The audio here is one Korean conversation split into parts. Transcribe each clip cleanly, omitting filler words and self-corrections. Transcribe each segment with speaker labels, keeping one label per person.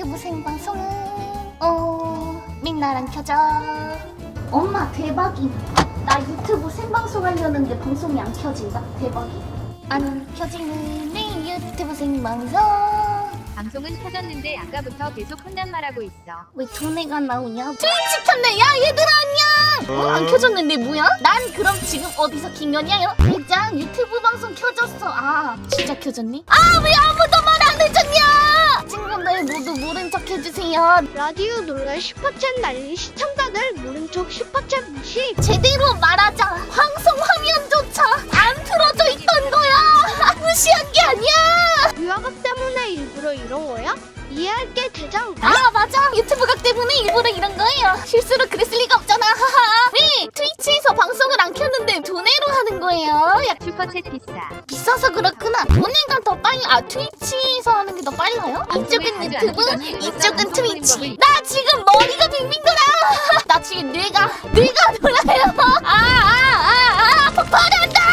Speaker 1: 유튜브 생방송은 민나랑 켜져. 엄마 대박이. 나 유튜브 생방송 하려는데 방송이 안 켜진다. 대박이. 안 켜지는 내 유튜브 생방송.
Speaker 2: 방송은 켜졌는데 아까부터 계속 혼잣말하고 있어.
Speaker 1: 왜 돈애가 나오냐? 트위치 켰네. 야 얘들아 안녕. 안 켜졌는데 뭐야? 난 그럼 지금 어디서 킹년이야? 대장 유튜브 방송 켜졌어. 아 진짜 켜졌니? 아 왜 아무도 말 안 해줬냐? 친구들 모두 모른 척 해주세요.
Speaker 3: 라디오 놀라 슈퍼챗 날린 시청자들 모른 척 슈퍼챗 무시.
Speaker 1: 제대로 말하자. 방송 화면조차 안 틀어져 있던 거야. 무시한 게 아니야.
Speaker 3: 유아각 때문에 일부러 이런 거야? 이해할게 대장.
Speaker 1: 아 맞아. 유튜브 각 때문에 일부러 이런 거예요. 실수로 그랬을 리가 없잖아. 하하. 왜 트위치에서 방송을 안 켰는데 돈으로 하는 거예요? 야,
Speaker 2: 슈퍼챗 비싸.
Speaker 1: 비싸서 그렇구나. 돈내가 더 빨리. 아 트위치에서 하는 게 더 빨라요? 이쪽은 유튜브, 이쪽은 트위치. 나 지금 머리가 빙빙 돌아. 나 지금 뇌가 돌아요. 폭발한다.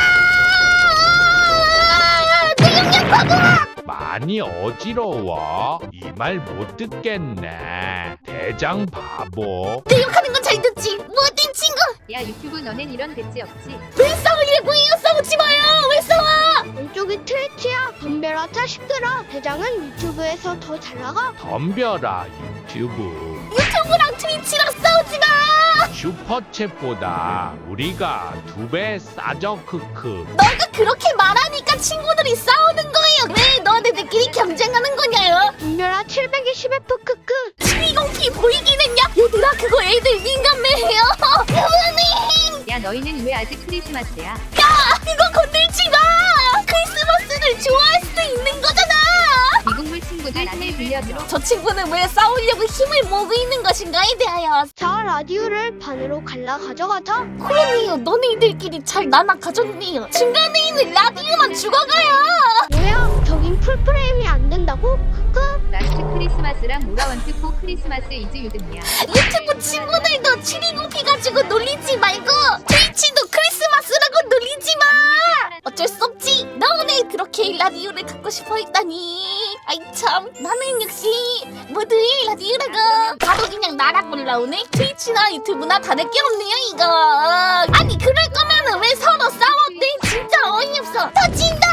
Speaker 1: 뇌용량 바보야.
Speaker 4: 많이 어지러워. 이 말 못 듣겠네. 대장 바보.
Speaker 1: 내 욕하는 건 잘 듣지. 못된 친구.
Speaker 2: 야 유튜브 너넨 이런 배지 없지?
Speaker 1: 왜 싸우려고 해요? 싸우지 마요. 왜 싸워?
Speaker 3: 왼쪽이 트위치야. 덤벼라 자식들아. 대장은 유튜브에서 더 잘 나가.
Speaker 4: 덤벼라 유튜브.
Speaker 1: 유튜브랑 트위치랑 싸우지 마.
Speaker 4: 슈퍼챗보다 우리가 2배 싸져 크크.
Speaker 1: 너가 그렇게 말하니까 친구들이 싸우는 거예요. 왜 너네들끼리 경쟁하는 거냐요?
Speaker 3: 덤벼라 720F 크크.
Speaker 1: 720p 보이긴 했냐? 얘들아 그거 애들 민감해요. 그만해.
Speaker 2: 야 너희는 왜 아직 크리스마스야?
Speaker 1: 야 그거 건들지 마. 크리스마스를 좋아할 수도 있는 거잖아.
Speaker 2: 미국물 친구들 힘을 빌려줘.
Speaker 1: 저 친구는 왜 싸우려고 힘을 모으고 있는 것인가에 대하여.
Speaker 3: 자 라디오를 반으로 갈라 가져가자.
Speaker 1: 그러네요. 너네들끼리 잘 나눠 가졌네요. 중간에 있는 라디오만 죽어가요.
Speaker 3: 뭐야? 저긴 풀프레임이 안 된다고? 크크.
Speaker 2: 라스트 크리스마스랑 모라원트 포 크리스마스 이즈 유등이야.
Speaker 1: 유튜브 친구들도 720p 가지고 놀리지 말고 트위치도 크리스마스라고 놀리지 마. 어쩔 수 없지. 너네 그렇게 라디오를 갖고 싶어 했다니. 아이 참. 나는 역시 모두의 라디오라고. 바로 그냥 나락 올라오네. 트위치나 유튜브나 다를 게 없네요 이거. 아니 그럴 거면은 왜 서로 싸웠대? 진짜 어이없어. 터진다.